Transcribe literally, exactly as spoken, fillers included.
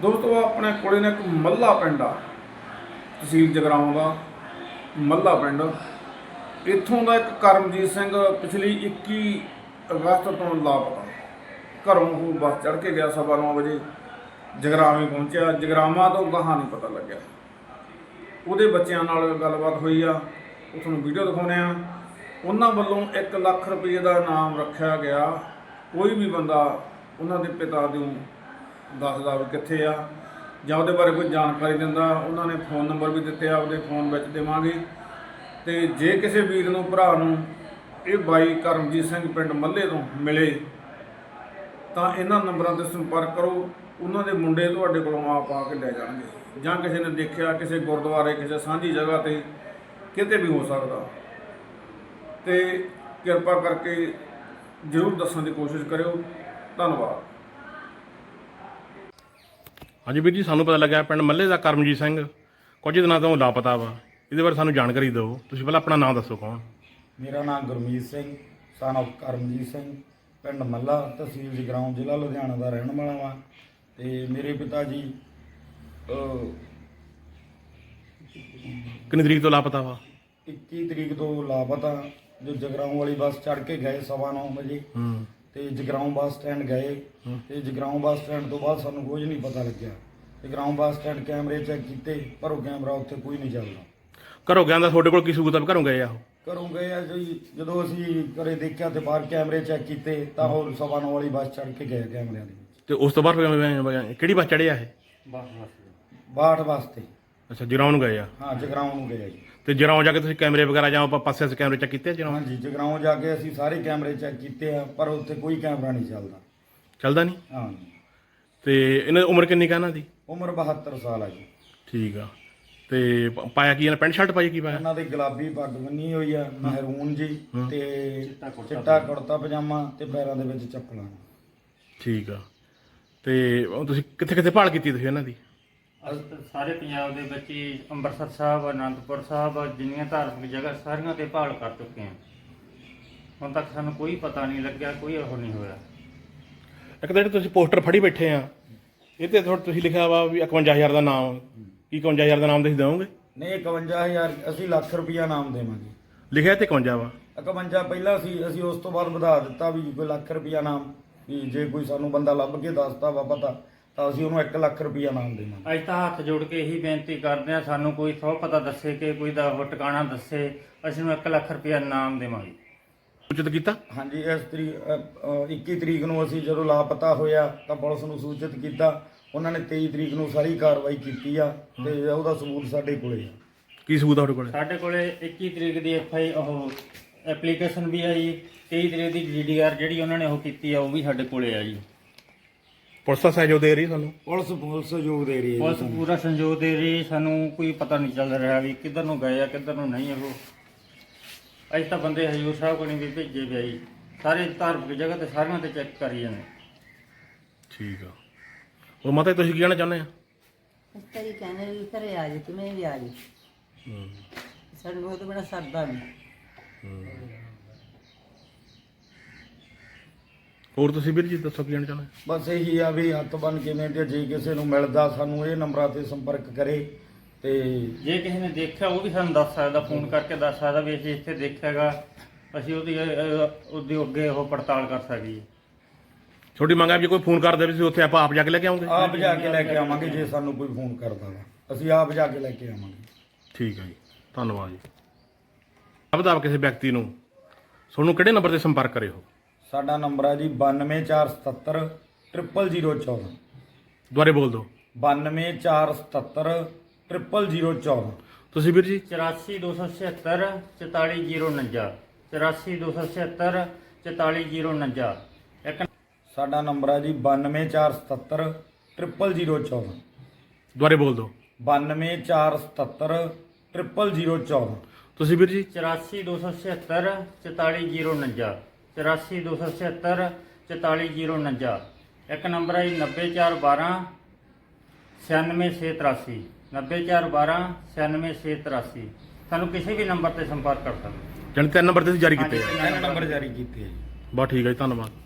ਦੋਸਤੋ ਆਪਣੇ ਕੋਲੇ ਨੇ ਇੱਕ ਮੱਲਾ ਪਿੰਡ ਆ, ਤਹਿਸੀਲ ਜਗਰਾਉਂ ਦਾ ਮੱਲਾ ਪਿੰਡ। ਇੱਥੋਂ ਦਾ ਇੱਕ ਕਰਮਜੀਤ ਸਿੰਘ ਪਿਛਲੀ ਇੱਕੀ ਅਗਸਤ ਤੋਂ ਲਾਪਤਾ। ਘਰੋਂ ਉਹ ਬੱਸ ਚੜ੍ਹ ਕੇ ਗਿਆ ਸਵਾ ਨੌ ਵਜੇ, ਜਗਰਾਵੇਂ ਪਹੁੰਚਿਆ। ਜਗਰਾਵਾਂ ਤੋਂ ਗਾਹਾਂ ਨਹੀਂ ਪਤਾ ਲੱਗਿਆ। ਉਹਦੇ ਬੱਚਿਆਂ ਨਾਲ ਗੱਲਬਾਤ ਹੋਈ ਆ, ਉਹ ਤੁਹਾਨੂੰ ਵੀਡੀਓ ਦਿਖਾਉਂਦੇ ਆ। ਉਹਨਾਂ ਵੱਲੋਂ ਇੱਕ ਲੱਖ ਰੁਪਏ ਦਾ ਇਨਾਮ ਰੱਖਿਆ ਗਿਆ। ਕੋਈ ਵੀ ਬੰਦਾ ਉਹਨਾਂ ਦੇ ਪਿਤਾ ਨੂੰ ਦੱਸਦਾ ਵੀ ਕਿੱਥੇ ਆ ਜਾਂ ਉਹਦੇ ਬਾਰੇ ਕੋਈ ਜਾਣਕਾਰੀ ਦਿੰਦਾ, ਉਹਨਾਂ ਨੇ ਫ਼ੋਨ ਨੰਬਰ ਵੀ ਦਿੱਤੇ ਆ, ਉਹਦੇ ਫ਼ੋਨ ਵਿੱਚ ਦੇਵਾਂਗੇ। ਅਤੇ ਜੇ ਕਿਸੇ ਵੀਰ ਨੂੰ ਭਰਾ ਨੂੰ ਇਹ ਬਾਈ ਕਰਮਜੀਤ ਸਿੰਘ ਪਿੰਡ ਮੱਲੇ ਤੋਂ ਮਿਲੇ ਤਾਂ ਇਹਨਾਂ ਨੰਬਰਾਂ 'ਤੇ ਸੰਪਰਕ ਕਰੋ। ਉਹਨਾਂ ਦੇ ਮੁੰਡੇ ਤੁਹਾਡੇ ਕੋਲੋਂ ਆਪ ਆ ਕੇ ਲੈ ਜਾਣਗੇ, ਜਾਂ ਕਿਸੇ ਨੇ ਦੇਖਿਆ ਕਿਸੇ ਗੁਰਦੁਆਰੇ, ਕਿਸੇ ਸਾਂਝੀ ਜਗ੍ਹਾ 'ਤੇ, ਕਿਤੇ ਵੀ ਹੋ ਸਕਦਾ। ਅਤੇ ਕਿਰਪਾ ਕਰਕੇ ਜ਼ਰੂਰ ਦੱਸਣ ਦੀ ਕੋਸ਼ਿਸ਼ ਕਰਿਓ। ਧੰਨਵਾਦ। ਹਾਂਜੀ ਵੀਰ ਜੀ, ਸਾਨੂੰ ਪਤਾ ਲੱਗਾ ਪਿੰਡ ਮੱਲੇ ਦਾ ਕਰਮਜੀਤ ਸਿੰਘ ਕੁਝ ਦਿਨਾਂ ਤੋਂ ਲਾਪਤਾ ਵਾ। ਇਹਦੇ ਬਾਰੇ ਸਾਨੂੰ ਜਾਣਕਾਰੀ ਦਿਓ। ਤੁਸੀਂ ਪਹਿਲਾਂ ਆਪਣਾ ਨਾਮ ਦੱਸੋ। ਕੌਣ? ਮੇਰਾ ਨਾਮ ਗੁਰਮੀਤ ਸਿੰਘ ਸਨ ਆਫ ਕਰਮਜੀਤ ਸਿੰਘ, ਪਿੰਡ ਮੱਲਾ, ਤਹਿਸੀਲ ਜਗਰਾਉਂ, ਜ਼ਿਲ੍ਹਾ ਲੁਧਿਆਣਾ ਦਾ ਰਹਿਣ ਵਾਲਾ ਵਾਂ। ਅਤੇ ਮੇਰੇ ਪਿਤਾ ਜੀ ਕਿੰਨੀ ਤਰੀਕ ਤੋਂ ਲਾਪਤਾ ਵਾ? ਇੱਕੀ ਤਰੀਕ ਤੋਂ ਲਾਪਤਾ। ਜੋ ਜਗਰਾਉਂ ਵਾਲੀ ਬੱਸ ਚੜ੍ਹ ਕੇ ਗਏ ਸਵਾ ਨੌ ਵਜੇ, ਅਤੇ ਜਗਰਾਉਂ ਬੱਸ ਸਟੈਂਡ ਗਏ। ਅਤੇ ਜਗਰਾਉਂ ਬੱਸ ਸਟੈਂਡ ਤੋਂ ਬਾਅਦ ਸਾਨੂੰ ਕੁਝ ਨਹੀਂ ਪਤਾ ਲੱਗਿਆ। ਜਗਰਾਉਂ ਬੱਸ ਸਟੈਂਡ ਕੈਮਰੇ ਚੈੱਕ ਕੀਤੇ, ਪਰ ਉਹ ਕੈਮਰਾ ਉੱਥੇ ਕੋਈ ਨਹੀਂ ਚੱਲਦਾ। ਘਰੋਂ ਗਿਆ ਦਾ ਤੁਹਾਡੇ ਕੋਲ ਕੀ ਸਬੂਤ ਆ ਵੀ ਘਰੋਂ ਗਏ ਆ ਉਹ? ਘਰੋਂ ਗਏ ਆ ਜੀ। ਜਦੋਂ ਅਸੀਂ ਘਰੇ ਦੇਖਿਆ ਤੇ ਬਾਹਰ ਕੈਮਰੇ ਚੈੱਕ ਕੀਤੇ ਤਾਂ ਉਹ ਸਵਾ ਨੌ ਵਾਲੀ ਬੱਸ ਚੜ੍ਹ ਕੇ ਗਏ ਕੈਮਰਿਆਂ ਦੇ ਵਿੱਚ। ਤੇ ਉਸ ਤੋਂ ਬਾਅਦ ਫਿਰ ਕਿਹੜੀ ਬੱਸ ਚੜ੍ਹੇ ਆ ਇਹ? ਬਾਹਠ ਵਾਸਤੇ। ਅੱਛਾ, ਜਗਰਾਉਂ ਨੂੰ ਗਏ ਆ? ਹਾਂ, ਜਗਰਾਉਂ ਨੂੰ ਗਏ ਜੀ। ਤੇ ਜਗਰਾਉਂ ਜਾ ਕੇ ਤੁਸੀਂ ਕੈਮਰੇ ਵਗੈਰਾ ਜਾਂ ਆਪਾਂ ਪਾਸੇ ਸੇ ਕੈਮਰੇ ਚੈੱਕ ਕੀਤੇ ਜਗਰਾਉਂ? ਹਾਂਜੀ, ਜਗਰਾਉਂ ਜਾ ਕੇ ਅਸੀਂ ਸਾਰੇ ਕੈਮਰੇ ਚੈੱਕ ਕੀਤੇ ਆ, ਪਰ ਉੱਥੇ ਕੋਈ ਕੈਮਰਾ ਨਹੀਂ ਚੱਲਦਾ। ਚੱਲਦਾ ਨਹੀਂ? ਹਾਂ। ਤੇ ਇਹਨਾਂ ਦੀ ਉਮਰ ਕਿੰਨੀ ਕੁ ਇਹਨਾਂ ਦੀ? ਉਮਰ ਬਹੱਤਰ ਸਾਲ ਆ ਜੀ। ਠੀਕ ਆ। ਤੇ ਪ- ਪਾਇਆ ਕੀ ਇਹਨਾਂ? ਪੈਂਟ ਸ਼ਰਟ ਪਾਈ? ਕੀ ਪਾਇਆ? ਉਹਨਾਂ ਦੀ ਗੁਲਾਬੀ ਪੱਗ ਬੰਨੀ ਹੋਈ ਆ, ਮਹਿਰੂਨ ਜੀ, ਤੇ ਚਿੱਟਾ ਕੁੜਤਾ ਪਜਾਮਾ, ਤੇ ਪੈਰਾਂ ਦੇ ਵਿੱਚ ਚੱਪਲਾਂ। ਠੀਕ ਆ। ਤੇ ਉਹ ਤੁਸੀਂ ਕਿੱਥੇ ਕਿੱਥੇ ਭਾਲ ਕੀਤੀ ਤੁਸੀਂ ਇਹਨਾਂ ਦੀ? ਅਸੀਂ ਸਾਰੇ ਪੰਜਾਬ ਦੇ ਵਿੱਚ ਹੀ ਅੰਮ੍ਰਿਤਸਰ ਸਾਹਿਬ, ਅਨੰਦਪੁਰ ਸਾਹਿਬ, ਜਿੰਨੀਆਂ ਧਾਰਮਿਕ ਜਗ੍ਹਾ ਸਾਰੀਆਂ ਤੇ ਭਾਲ ਕਰ ਚੁੱਕੇ ਹਾਂ। ਹੁਣ ਤੱਕ ਸਾਨੂੰ ਕੋਈ ਪਤਾ ਨਹੀਂ ਲੱਗਿਆ, ਕੋਈ ਉਹ ਨਹੀਂ ਹੋਇਆ। ਇੱਕ ਤਾਂ ਜਿਹੜੇ ਤੁਸੀਂ ਪੋਸਟਰ ਫੜੀ ਬੈਠੇ ਆ, ਇਹ ਤੇ ਥੋੜਾ ਤੁਸੀਂ ਲਿਖਿਆ ਵਾ ਵੀ ਇਕਵੰਜਾ ਹਜ਼ਾਰ ਦਾ ਨਾਮ। ਕੀ ਇਕਵੰਜਾ ਹਜ਼ਾਰ ਦਾ ਨਾਮ ਤੁਸੀਂ ਦਿਓਗੇ? ਨਹੀਂ, ਇਕਵੰਜਾ ਹਜ਼ਾਰ ਅਸੀਂ ਲੱਖ ਰੁਪਈਆ ਨਾਮ ਦੇਵਾਂਗੇ। ਲਿਖਿਆ ਤੇ ਇਕਵੰਜਾ ਵਾ। ਇਕਵੰਜਾ ਪਹਿਲਾਂ ਸੀ, ਅਸੀਂ ਉਸ ਤੋਂ ਬਾਅਦ ਵਧਾ ਦਿੱਤਾ ਵੀ ਕੋਈ ਲੱਖ ਰੁਪਈਆ ਨਾਮ, ਵੀ ਜੇ ਕੋਈ ਸਾਨੂੰ ਬੰਦਾ ਲੱਭ ਕੇ ਦੱਸਦਾ ਵਾ ਪਤਾ ਤਾਂ ਅਸੀਂ ਉਹਨੂੰ ਇੱਕ ਲੱਖ ਰੁਪਈਆ ਨਾਮ ਦੇਵਾਂਗੇ। ਅੱਜ ਤਾਂ ਹੱਥ ਜੋੜ ਕੇ ਇਹੀ ਬੇਨਤੀ ਕਰਦੇ ਹਾਂ, ਸਾਨੂੰ ਕੋਈ ਸੌ ਪਤਾ ਦੱਸੇ ਕਿ ਕੋਈ ਦਾ ਉਹ ਟਿਕਾਣਾ ਦੱਸੇ, ਅਸੀਂ ਨੂੰ ਇੱਕ ਲੱਖ ਰੁਪਇਆ ਇਨਾਮ ਦੇਵਾਂਗੇ। ਸੂਚਿਤ ਕੀਤਾ? ਹਾਂਜੀ, ਇਸ ਤਰੀਕ ਇੱਕੀ ਤਰੀਕ ਨੂੰ ਅਸੀਂ ਜਦੋਂ ਲਾਪਤਾ ਹੋਇਆ ਤਾਂ ਪੁਲਿਸ ਨੂੰ ਸੂਚਿਤ ਕੀਤਾ। ਉਹਨਾਂ ਨੇ ਤੇਈ ਤਰੀਕ ਨੂੰ ਸਾਰੀ ਕਾਰਵਾਈ ਕੀਤੀ ਆ, ਤੇ ਉਹਦਾ ਸਬੂਤ ਸਾਡੇ ਕੋਲੇ ਆ। ਕੀ ਸਬੂਤ ਆ ਤੁਹਾਡੇ ਕੋਲ? ਸਾਡੇ ਕੋਲੇ ਇੱਕੀ ਤਰੀਕ ਦੀ ਐਫ ਆਈ ਉਹ ਐਪਲੀਕੇਸ਼ਨ ਵੀ ਆ ਜੀ। ਤੇਈ ਤਰੀਕ ਦੀ ਜੀ ਡੀ ਆਰ ਜਿਹੜੀ ਉਹਨਾਂ ਨੇ ਉਹ ਕੀਤੀ ਆ, ਉਹ ਵੀ ਸਾਡੇ ਕੋਲੇ ਆ ਜੀ। ਪੁਲਿਸ ਦਾ ਸਹਿਯੋਗ ਦੇ ਰਹੀ ਸਾਨੂੰ? ਪੁਲਿਸ ਪੁਲਿਸ ਸਹਿਯੋਗ ਦੇ ਰਹੀ ਹੈ ਪੁਲਿਸ ਜੀ ਸਾਨੂੰ। ਪੂਰਾ ਸੰਯੋਗ ਦੇ ਰਹੀ। ਸਾਨੂੰ ਕੋਈ ਪਤਾ ਨਹੀਂ ਚੱਲ ਰਿਹਾ ਵੀ ਕਿੱਧਰ ਨੂੰ ਗਏ ਆ ਕਿੱਧਰ ਨੂੰ ਨਹੀਂ। ਉਹ ਅੱਜ ਤਾਂ ਬੰਦੇ ਹਜੂਰ ਸਾਹਿਬ ਕੋਲ ਵੀ ਭੇਜੇ ਪਏ ਜੀ। ਸਾਰੇ ਧਾਰਮਿਕ ਜਗ੍ਹਾ ਤੇ ਸਾਰਿਆਂ ਤੇ ਚੈੱਕ ਕਰੀ ਜਾਂਦੇ। ਠੀਕ ਆ। ਉਹ ਮਾਤਾ ਤੁਸੀਂ ਕੀ ਕਹਿਣਾ ਚਾਹੁੰਦੇ ਆ? ਇਸ ਤਰੀ ਕਹਿੰਦੇ ਵੀ ਘਰੇ ਆ ਜੀ, ਕਿਵੇਂ ਵੀ ਆ ਜੀ। ਸਾਨੂੰ ਉਹ ਤੋਂ ਬੜਾ ਸਰਦਾ ਨਹੀਂ। ਹੋਰ ਤੁਸੀਂ ਵੀਰ ਜੀ ਦੱਸੋ ਕੀ ਕਹਿਣਾ ਚਾਹੁੰਦੇ? ਬਸ ਇਹੀ ਆ ਵੀ ਹੱਥ ਬੰਨ ਕਿਵੇਂ ਤੇ ਜੇ ਕਿਸੇ ਨੂੰ ਮਿਲਦਾ ਸਾਨੂੰ ਇਹ ਨੰਬਰਾਂ ਤੇ ਸੰਪਰਕ ਕਰੇ। ਤੇ ਜੇ ਕਿਸੇ ਨੇ ਦੇਖਿਆ ਉਹ ਵੀ ਸਾਨੂੰ ਦੱਸ ਸਕਦਾ, ਫੋਨ ਕਰਕੇ ਦੱਸ ਸਕਦਾ ਵੀ ਅਸੀਂ ਇੱਥੇ ਦੇਖਿਆਗਾ, ਅਸੀਂ ਉਹਦੀ ਅਹ, ਉਹਦੀ ਅੱਗੇ ਉਹ ਪੜਤਾਲ ਕਰ ਸਕੀਏ। ਛੋਟੀ ਮੰਗ ਆ ਵੀ ਜੇ ਕੋਈ ਫੋਨ ਕਰਦੇ ਵੀ ਤੁਸੀਂ ਉੱਥੇ ਆਪਾਂ ਆਪ ਜਾ ਕੇ ਲੈ ਕੇ ਆਉਂਗੇ? ਆਪ ਜਾ ਕੇ ਲੈ ਕੇ ਆਵਾਂਗੇ। ਜੇ ਸਾਨੂੰ ਕੋਈ ਫੋਨ ਕਰਦਾ ਵਾ ਅਸੀਂ ਆਪ ਜਾ ਕੇ ਲੈ ਕੇ ਆਵਾਂਗੇ। ਠੀਕ ਹੈ ਜੀ, ਧੰਨਵਾਦ ਜੀ। ਬਤਾ ਕਿਸੇ ਵਿਅਕਤੀ ਨੂੰ ਤੁਹਾਨੂੰ ਕਿਹੜੇ ਨੰਬਰ ਤੇ ਸੰਪਰਕ ਕਰੇ ਹੋ? ਸਾਡਾ ਨੰਬਰ ਹੈ ਜੀ ਬਾਨਵੇਂ ਚਾਰ ਸਤੱਤਰ ਟ੍ਰਿਪਲ ਜ਼ੀਰੋ ਚੌਦਾਂ। ਦੁਬਾਰੇ ਬੋਲ ਦਿਓ। ਬਾਨਵੇਂ ਚਾਰ ਸਤੱਤਰ ਟ੍ਰਿਪਲ ਜ਼ੀਰੋ ਚੌਦਾਂ। ਤੁਸੀਂ ਵੀਰ ਜੀ? ਚੁਰਾਸੀ ਦੋ ਸੌ ਛਿਹੱਤਰ ਚੁਤਾਲੀ ਜੀਰੋ ਉਣੰਜਾ। ਚੁਰਾਸੀ ਦੋ ਸੌ ਛਿਹੱਤਰ ਚੁਤਾਲੀ ਜੀਰੋ ਉਣੰਜਾ। ਇੱਕ ਸਾਡਾ ਨੰਬਰ ਹੈ ਜੀ ਬਾਨਵੇਂ ਚਾਰ ਸਤੱਤਰ ਟ੍ਰਿਪਲ ਜ਼ੀਰੋ ਚੌਦਾਂ। ਦੁਬਾਰੇ ਬੋਲ ਦਿਓ। ਬਾਨਵੇਂ ਚਾਰ ਸਤੱਤਰ ਟ੍ਰਿਪਲ ਜ਼ੀਰੋ ਚੌਦਾਂ। ਤੁਸੀਂ ਵੀਰ ਜੀ? ਚੁਰਾਸੀ ਦੋ ਸੌ ਛਿਹੱਤਰ ਚੁਤਾਲੀ ਜੀਰੋ ਉਣੰਜਾ। ਚੁਰਾਸੀ ਦੋ ਸੌ ਛਿਹੱਤਰ ਚੁਤਾਲੀ ਜੀਰੋ ਉਣੰਜਾ। ਇੱਕ ਨੰਬਰ ਹੈ ਜੀ ਨੱਬੇ ਚਾਰ ਬਾਰਾਂ ਛਿਆਨਵੇਂ ਛੇ ਤਰਾਸੀ। ਨੱਬੇ ਚਾਰ ਬਾਰਾਂ ਛਿਆਨਵੇਂ ਛੇ ਤਰਾਸੀ। ਸਾਨੂੰ ਕਿਸੇ ਵੀ ਨੰਬਰ ਤੇ ਸੰਪਰਕ ਕਰ ਸਕਦੇ। ਜਾਣੀ ਤਿੰਨ ਨੰਬਰ ਤੇ ਤੁਸੀਂ ਜਾਰੀ ਕੀਤੇ ਆ? ਹਾਂਜੀ, ਤਿੰਨ ਨੰਬਰ ਜਾਰੀ ਕੀਤੇ ਹੈ ਜੀ। ਬਹੁਤ ਠੀਕ ਹੈ ਜੀ, ਧੰਨਵਾਦ।